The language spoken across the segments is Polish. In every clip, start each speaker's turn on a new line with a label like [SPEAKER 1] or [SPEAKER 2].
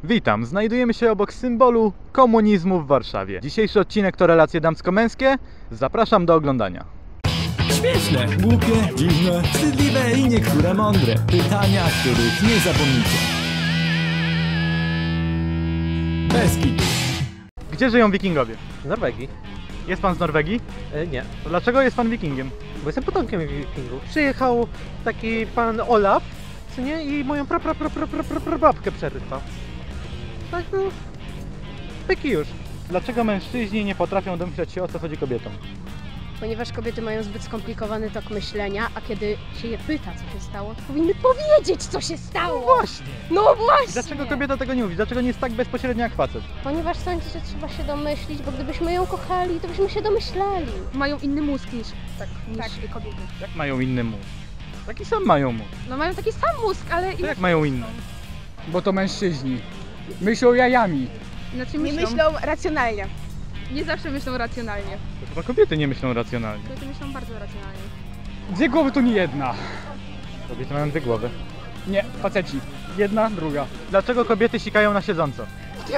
[SPEAKER 1] Witam, znajdujemy się obok symbolu komunizmu w Warszawie. Dzisiejszy odcinek to relacje damsko-męskie. Zapraszam do oglądania.
[SPEAKER 2] Śmieszne, głupie, dziwne, wstydliwe i niektóre mądre. Pytania, których nie zapomnicie. Bez kitu.
[SPEAKER 1] Gdzie żyją wikingowie?
[SPEAKER 3] W Norwegii?
[SPEAKER 1] Jest pan z Norwegii?
[SPEAKER 3] Nie,
[SPEAKER 1] To dlaczego jest pan wikingiem?
[SPEAKER 3] bo jestem potomkiem wikingów. Przyjechał taki pan Olaf, co nie? I moją babkę przerywał. Tak no, pyki już.
[SPEAKER 1] Dlaczego mężczyźni nie potrafią domyślać się, o co chodzi kobietom?
[SPEAKER 4] Ponieważ kobiety mają zbyt skomplikowany tok myślenia, a kiedy się je pyta, co się stało, to powinny powiedzieć, co się stało!
[SPEAKER 1] Właśnie!
[SPEAKER 4] No właśnie!
[SPEAKER 1] Dlaczego kobieta tego nie mówi? Dlaczego nie jest tak bezpośrednia jak facet?
[SPEAKER 4] Ponieważ sądzę, że trzeba się domyślić, bo gdybyśmy ją kochali, to byśmy się domyślali.
[SPEAKER 5] Mają inny mózg niż kobiety.
[SPEAKER 1] Jak mają inny mózg? Taki sam mają mózg.
[SPEAKER 5] No mają taki sam mózg, ale
[SPEAKER 1] To jak mają inny?
[SPEAKER 6] Bo to mężczyźni. Myślą jajami.
[SPEAKER 5] inaczej
[SPEAKER 7] Nie myślą racjonalnie.
[SPEAKER 5] Nie zawsze myślą racjonalnie.
[SPEAKER 1] To chyba kobiety nie myślą racjonalnie.
[SPEAKER 5] Kobiety myślą bardzo racjonalnie.
[SPEAKER 6] Dwie głowy to nie jedna.
[SPEAKER 1] Kobiety mają dwie głowy.
[SPEAKER 6] Nie, faceci. Jedna, druga.
[SPEAKER 1] Dlaczego kobiety sikają na siedząco?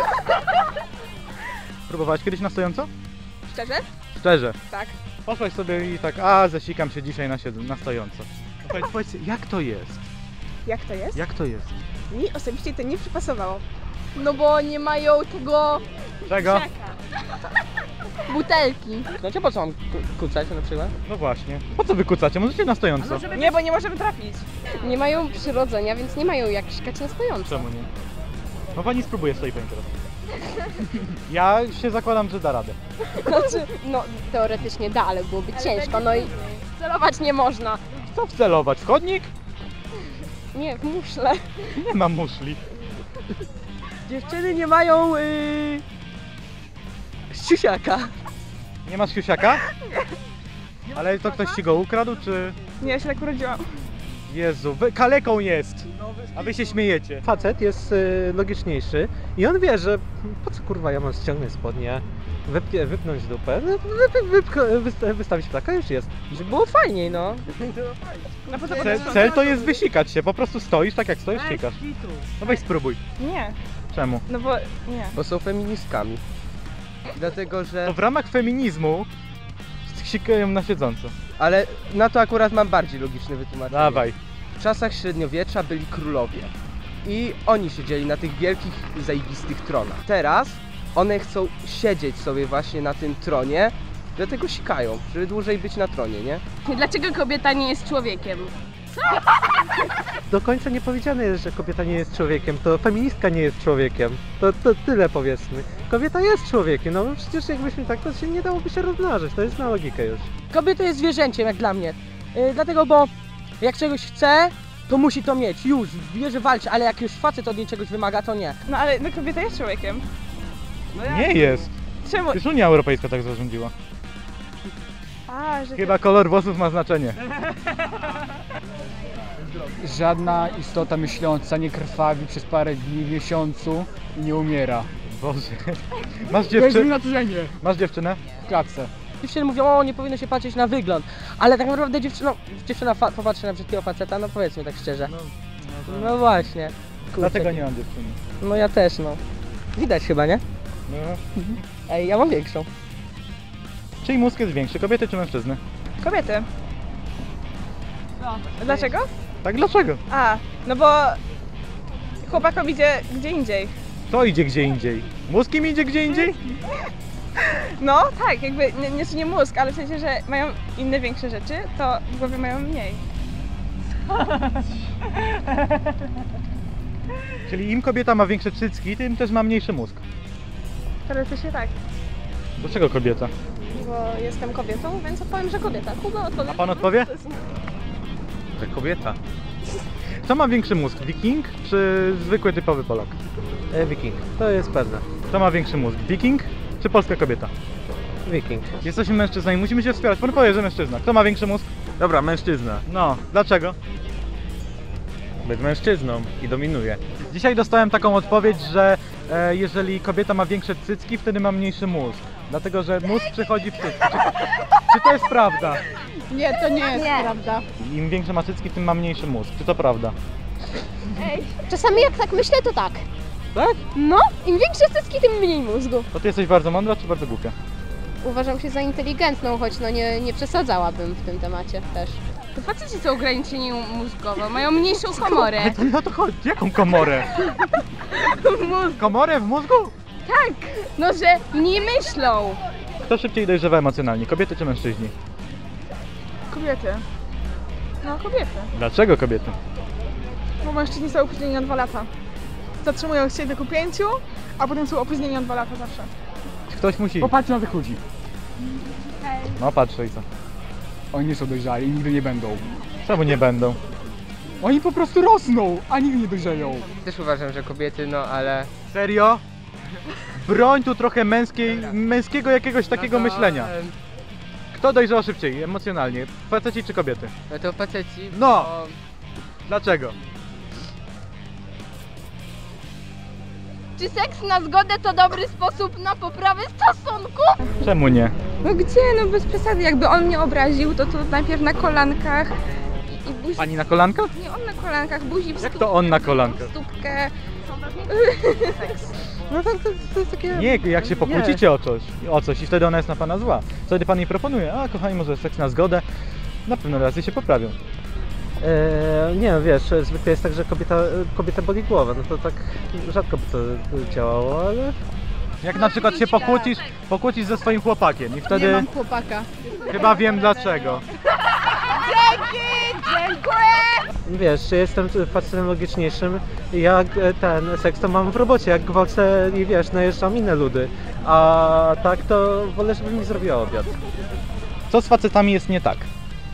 [SPEAKER 1] Próbowałaś kiedyś na stojąco?
[SPEAKER 7] Szczerze?
[SPEAKER 1] Szczerze.
[SPEAKER 7] Tak.
[SPEAKER 1] Poszłaś sobie i tak, zasikam się dzisiaj na stojąco. Powiedz, jak to jest?
[SPEAKER 7] Jak to jest?
[SPEAKER 1] Jak to jest?
[SPEAKER 7] Mi osobiście to nie przypasowało.
[SPEAKER 5] No bo nie mają tego
[SPEAKER 1] Czego?
[SPEAKER 5] butelki.
[SPEAKER 3] No cię po co mam kucać na przykład?
[SPEAKER 1] No właśnie. Po co wykucacie? Możecie na stojąco.
[SPEAKER 7] Nie, bo nie możemy trafić.
[SPEAKER 4] Nie mają przyrodzenia, więc nie mają jak sikać na stojąco.
[SPEAKER 1] Czemu nie? No pani spróbuje stoi pani teraz. Ja się zakładam, że da radę.
[SPEAKER 4] Znaczy, no teoretycznie da, ale byłoby ciężko, no i celować nie można.
[SPEAKER 1] Co wcelować? W chodnik?
[SPEAKER 4] Nie, w muszle.
[SPEAKER 1] Nie mam muszli.
[SPEAKER 3] Dziewczyny nie mają siusiaka.
[SPEAKER 1] Nie masz siusiaka? Ale to ktoś ci go ukradł, czy...
[SPEAKER 7] Nie, ja się tak urodziłam.
[SPEAKER 1] Jezu, kaleką jest! A wy się śmiejecie.
[SPEAKER 3] Facet jest logiczniejszy i on wie, że po co kurwa ja mam ściągnąć spodnie, wypnąć dupę, wystawić ptaka, już jest. Żeby było fajniej, no.
[SPEAKER 7] No po co
[SPEAKER 1] Cel to jest wysikać się, po prostu stoisz tak jak stoisz, sikasz. No weź spróbuj.
[SPEAKER 7] Nie,
[SPEAKER 1] Czemu?
[SPEAKER 7] no bo nie.
[SPEAKER 8] Bo są feministkami. Dlatego, że...
[SPEAKER 1] To w ramach feminizmu sikają na siedząco.
[SPEAKER 8] Ale na to akurat mam bardziej logiczne wytłumaczenie.
[SPEAKER 1] Dawaj.
[SPEAKER 8] W czasach średniowiecza byli królowie. I oni siedzieli na tych wielkich, zajebistych tronach. Teraz one chcą siedzieć sobie właśnie na tym tronie, dlatego sikają, żeby dłużej być na tronie, nie?
[SPEAKER 5] Dlaczego kobieta nie jest człowiekiem?
[SPEAKER 3] Do końca nie powiedziane jest, że kobieta nie jest człowiekiem, to feministka nie jest człowiekiem. To tyle powiedzmy. Kobieta jest człowiekiem, no przecież jakbyśmy tak, to się nie dałoby się rozmnażyć, to jest na logikę już.
[SPEAKER 9] Kobieta jest zwierzęciem, jak dla mnie. Dlatego, bo jak czegoś chce, to musi to mieć. Już, wie, że walczy, ale jak już facet od niej czegoś wymaga, to nie.
[SPEAKER 7] No ale no, kobieta jest człowiekiem.
[SPEAKER 1] Nie jest.
[SPEAKER 7] Czemu?
[SPEAKER 1] Już Unia Europejska tak zarządziła.
[SPEAKER 7] A, że
[SPEAKER 1] Chyba kolor włosów ma znaczenie.
[SPEAKER 6] Żadna istota myśląca nie krwawi przez parę dni w miesiącu i nie umiera.
[SPEAKER 1] Boże. Masz
[SPEAKER 6] To jest
[SPEAKER 1] dziewczynę?
[SPEAKER 6] naturalnie.
[SPEAKER 1] Masz dziewczynę?
[SPEAKER 6] W klatce.
[SPEAKER 9] Dziewczyny mówią, o, nie powinno się patrzeć na wygląd. Ale tak naprawdę dziewczyna popatrzy na brzydkiego faceta, no powiedzmy tak szczerze. No właśnie. Kurczę.
[SPEAKER 1] Dlatego nie mam dziewczyny.
[SPEAKER 9] No ja też, no. Widać chyba, nie?
[SPEAKER 1] No.
[SPEAKER 9] Ej, ja mam większą.
[SPEAKER 1] Czyj mózg jest większy, kobiety czy mężczyzny?
[SPEAKER 7] kobiety. Dlaczego?
[SPEAKER 1] Tak, dlaczego?
[SPEAKER 7] A, no bo chłopakom idzie gdzie indziej.
[SPEAKER 1] To idzie gdzie indziej. Mózg im idzie gdzie indziej?
[SPEAKER 7] No tak, jakby nie mózg, ale w sensie, że mają inne większe rzeczy, to w głowie mają mniej.
[SPEAKER 1] Czyli im kobieta ma większe cycki, tym też ma mniejszy mózg.
[SPEAKER 7] Teoretycznie tak.
[SPEAKER 1] Dlaczego kobieta?
[SPEAKER 4] Bo jestem kobietą, więc odpowiem, że kobieta. Kuba odpowie.
[SPEAKER 1] A pan odpowie? Że kobieta. Kto ma większy mózg? Wiking czy zwykły typowy Polak?
[SPEAKER 3] Wiking, to jest pewne.
[SPEAKER 1] Kto ma większy mózg? Wiking czy polska kobieta?
[SPEAKER 3] Wiking.
[SPEAKER 1] Jesteśmy mężczyznami, musimy się wspierać. Pan powie, że mężczyzna. Kto ma większy mózg?
[SPEAKER 10] Dobra, mężczyzna.
[SPEAKER 1] No, dlaczego?
[SPEAKER 10] Być mężczyzną i dominuje.
[SPEAKER 1] Dzisiaj dostałem taką odpowiedź, że jeżeli kobieta ma większe cycki, wtedy ma mniejszy mózg. Dlatego, że mózg przechodzi w cycki. Czy to jest prawda?
[SPEAKER 5] Nie, to nie jest prawda.
[SPEAKER 1] Im większe ma cycki, tym ma mniejszy mózg. Czy to prawda?
[SPEAKER 4] Czasami jak tak myślę, to tak.
[SPEAKER 1] Tak?
[SPEAKER 4] No, im większe cycki, tym mniej mózgu.
[SPEAKER 1] To ty jesteś bardzo mądra czy bardzo głupia?
[SPEAKER 4] Uważam się za inteligentną, choć no nie przesadzałabym w tym temacie też.
[SPEAKER 5] To faceci są ograniczeni mózgowo, mają mniejszą komorę.
[SPEAKER 1] Ale to nie o to chodzi. Jaką komorę? Komorę w mózgu?
[SPEAKER 5] Tak, no że nie myślą.
[SPEAKER 1] Kto szybciej dojrzewa emocjonalnie, kobiety czy mężczyźni?
[SPEAKER 7] Kobiety. No, kobiety.
[SPEAKER 1] Dlaczego kobiety?
[SPEAKER 7] Bo mężczyźni są opóźnieni o 2 lata. Zatrzymują się tylko 5, a potem są opóźnieni o 2 lata zawsze.
[SPEAKER 1] Ktoś musi.
[SPEAKER 6] Popatrzcie na tych ludzi.
[SPEAKER 1] No patrzę i co?
[SPEAKER 6] Oni nie są dojrzali i nigdy nie będą.
[SPEAKER 1] Czemu nie będą?
[SPEAKER 6] Oni po prostu rosną, a nigdy nie dojrzeją.
[SPEAKER 8] Też uważam, że kobiety, no ale...
[SPEAKER 1] Serio? Broń tu trochę męskiego jakiegoś takiego
[SPEAKER 8] no to,
[SPEAKER 1] myślenia. Kto dojrzał szybciej emocjonalnie? Faceci czy kobiety?
[SPEAKER 8] No to faceci...
[SPEAKER 1] No!
[SPEAKER 8] bo-
[SPEAKER 1] Dlaczego?
[SPEAKER 5] Czy seks na zgodę to dobry sposób na poprawę stosunku?
[SPEAKER 1] Czemu nie?
[SPEAKER 5] No gdzie, no bez przesady, jakby on mnie obraził, to najpierw na kolankach i buzi...
[SPEAKER 1] Pani na kolankach?
[SPEAKER 5] Nie, on na kolankach, buzi w
[SPEAKER 1] Jak to on na kolankach?
[SPEAKER 5] stópkę.
[SPEAKER 3] No to jest takie...
[SPEAKER 1] Nie, jak się pokłócicie o coś i wtedy ona jest na pana zła. Wtedy pan jej proponuje, a kochani, może seks na zgodę. Na pewno razy się poprawią.
[SPEAKER 3] Nie, wiesz, zwykle jest tak, że kobieta boli głowę, no to tak rzadko by to działało, ale...
[SPEAKER 1] Jak na przykład się pokłócisz ze swoim chłopakiem i
[SPEAKER 5] Nie
[SPEAKER 1] wtedy
[SPEAKER 5] mam chłopaka.
[SPEAKER 1] chyba wiem dlaczego.
[SPEAKER 3] Wiesz, jestem facetem logiczniejszym, jak ten seks to mam w robocie, jak gwałcę i wiesz, najeżdżam inne ludy, a tak to wolę, żeby mi zrobiła obiad.
[SPEAKER 1] Co z facetami jest nie tak?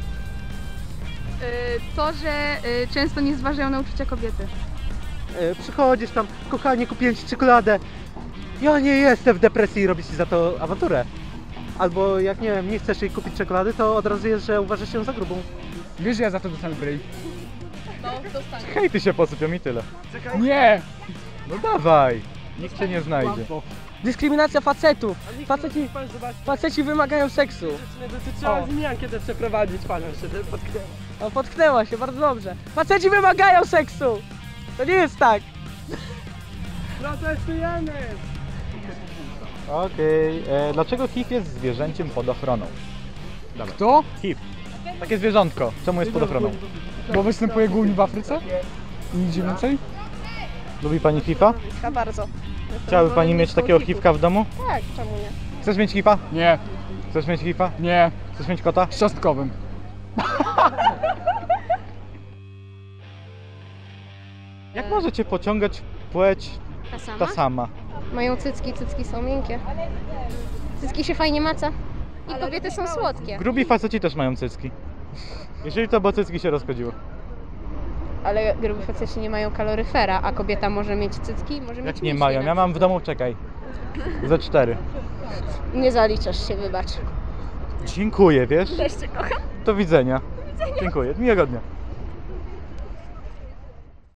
[SPEAKER 5] To, że często nie zważają na uczucia kobiety.
[SPEAKER 3] Przychodzisz tam, kochanie, kupiłem ci czekoladę, ja nie jestem w depresji i robisz ci za to awanturę. Albo jak nie wiem, nie chcesz jej kupić czekolady, to od razu jest, że uważasz ją za grubą.
[SPEAKER 6] Wiesz, że ja za to dostanę bryj?
[SPEAKER 1] Hejty się posypią i tyle.
[SPEAKER 6] Nie!
[SPEAKER 1] No dawaj, nikt cię nie znajdzie.
[SPEAKER 9] Dyskryminacja facetów. Faceci wymagają seksu.
[SPEAKER 3] Dotyczyła zmiankę przeprowadzić panią, żeby potknęła.
[SPEAKER 9] O, potknęła się, bardzo dobrze. Faceci wymagają seksu! To nie jest tak.
[SPEAKER 3] Protestujemy!
[SPEAKER 1] Okej, dlaczego HIV jest zwierzęciem pod ochroną?
[SPEAKER 6] Kto?
[SPEAKER 1] HIV. Takie zwierzątko, czemu jest pod ochroną?
[SPEAKER 6] Bo występuje głównie w Afryce? I nigdzie więcej?
[SPEAKER 1] Lubi pani HIV-a?
[SPEAKER 4] Bardzo.
[SPEAKER 1] Chciałaby pani mieć takiego HIV-ka w domu?
[SPEAKER 4] Tak, czemu nie?
[SPEAKER 1] Chcesz mieć HIV-a?
[SPEAKER 6] Nie,
[SPEAKER 1] Chcesz mieć HIV-a?
[SPEAKER 6] nie.
[SPEAKER 1] Chcesz mieć kota?
[SPEAKER 6] Z cząstkowym.
[SPEAKER 1] Jak możecie pociągać płeć ta sama?
[SPEAKER 4] Mają cycki są miękkie. Cycki się fajnie maca. I kobiety są słodkie.
[SPEAKER 1] Grubi faceci też mają cycki. Jeżeli to, bo cycki się rozchodziły.
[SPEAKER 4] Ale grubi faceci nie mają kaloryfera, a kobieta może mieć cycki, może mieć
[SPEAKER 1] Jak nie
[SPEAKER 4] mięśnie
[SPEAKER 1] mają?
[SPEAKER 4] na
[SPEAKER 1] Ja mam w domu, czekaj, ze 4.
[SPEAKER 4] Nie zaliczasz się, wybacz.
[SPEAKER 1] Dziękuję, wiesz?
[SPEAKER 4] Też cię kocham.
[SPEAKER 1] Do widzenia. Dziękuję, miłego dnia.